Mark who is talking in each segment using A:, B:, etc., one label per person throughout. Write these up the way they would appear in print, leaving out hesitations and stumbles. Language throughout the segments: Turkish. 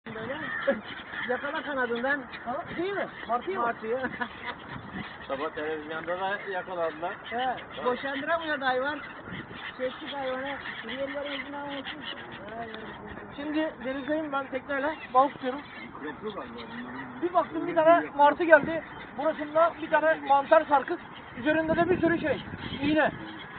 A: Böyle yakala kanadından. Değil mi? Martıyı mı? Martıyı.
B: Sabah televizyonda da yakaladılar.
A: He, boşandıramıyor da hayvan. Çektik hayvanı. Yerlerimizin almışsın.
C: Şimdi denizdeyim ben tekneyle balık tutuyorum. Bir baktım bir tane martı geldi. Burasında bir tane mantar sarkık. Üzerinde de bir sürü şey. İğne.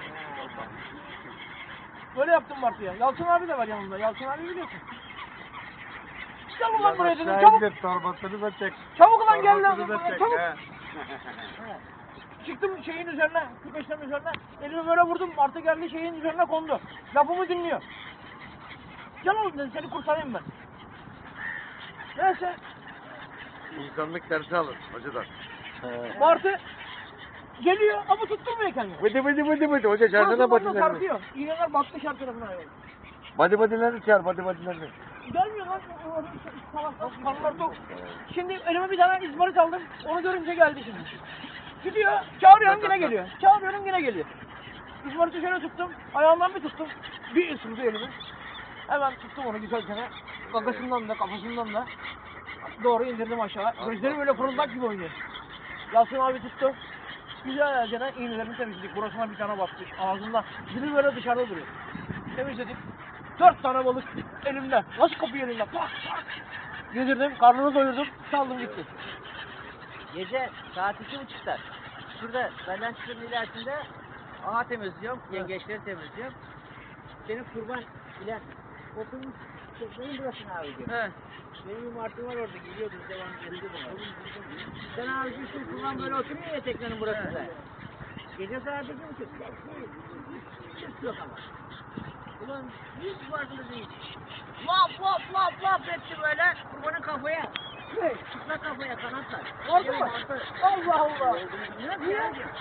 C: Böyle yaptım martıya. Yalçın abi de var yanımda. Yalçın abi biliyorsun. Gel ulan buraya dedim çabuk.
B: Torbasını da çek.
C: Çabuk ulan gel lan.
B: Torbasını da çek.
C: Çabuk.
B: he.
C: Çıktım şeyin üzerine, küpeşlerin üzerine. Elimi böyle vurdum. Martı geldi şeyin üzerine kondu. Lafımı dinliyor. Gel oğlum dedi seni kurtarayım ben. Neyse.
B: İnsanlık dersi alır hocadan.
C: Martı geliyor ama tutturmuyor kendini.
B: Bıdı bıdı bıdı bıdı. Hoca çağırsana
C: Nasıl
B: badilerini.
C: sarkıyor. İğneler batmış her tarafına hayvan.
B: Badi badilerini çağır badi badilerini.
C: Gelmiyor lan. Kanlar tok. Şimdi elime bir tane izmarit aldım. Onu görünce geldi şimdi. Gidiyor. Çağırıyorum yine geliyor. Çağırıyorum yine geliyor. İzmariti şöyle tuttum. Ayağından bir tuttum. Bir ısırdı elimi. Hemen tuttum onu güzelce. Gagasından da kafasından da doğru indirdim aşağı. Gözleri böyle fırıldak gibi oynuyor. Yalçın abi tuttu. Güzelce iğnelerini temizledik. Burasına bir tane batmış. Ağzında dili böyle dışarıda duruyor. Temizledik. 4 tane balık elimde. Nasıl kapıyor elimde? Pak pak. Yedirdim, karnını doyurdum, saldım gitti.
A: Gece saat 2.30'da. Şurada benden çıkın ilerisinde ağa temizliyorum. Yengeçleri temizliyorum. Senin kurban ile oturmuş. Benim burasını abi diyor.
C: He.
A: Benim bir martım var orada geliyordu devamlı geliyordu. Sen abi şu kurban böyle oturuyor ya teknenin burasında. Gece saat 2.30. Çık yok ama. Ulan hiç farkında değil. Lap lap lap lap etti böyle kurbanın kafaya. Çıplak kafaya kanatlar.
C: Oldu mu? Allah Allah.
A: Niye?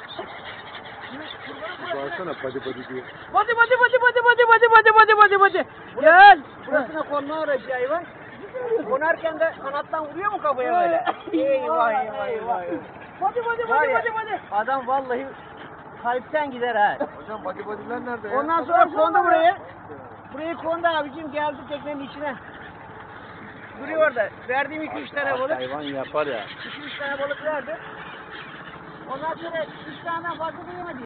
B: Bağırsana badi badi diye.
C: Hadi hadi hadi hadi hadi hadi hadi hadi hadi hadi. Gel.
A: Burasına konma uğraşıyor hayvan. Konarken de kanattan vuruyor mu kafaya böyle? Eyvah eyvah eyvah.
C: Hadi hadi
A: Var
C: hadi
A: ya,
C: hadi hadi.
A: adam vallahi kalpten gider ha.
B: Hocam badi badiler nerede ya?
A: Ondan sonra kondu buraya. Buraya kondu abicim geldi teknenin içine. Duruyor orada. Verdiğim 2-3 tane balık.
B: Hayvan yapar ya.
A: 2-3 tane balık verdi. Ondan sonra 3 tane fazla duyamadı.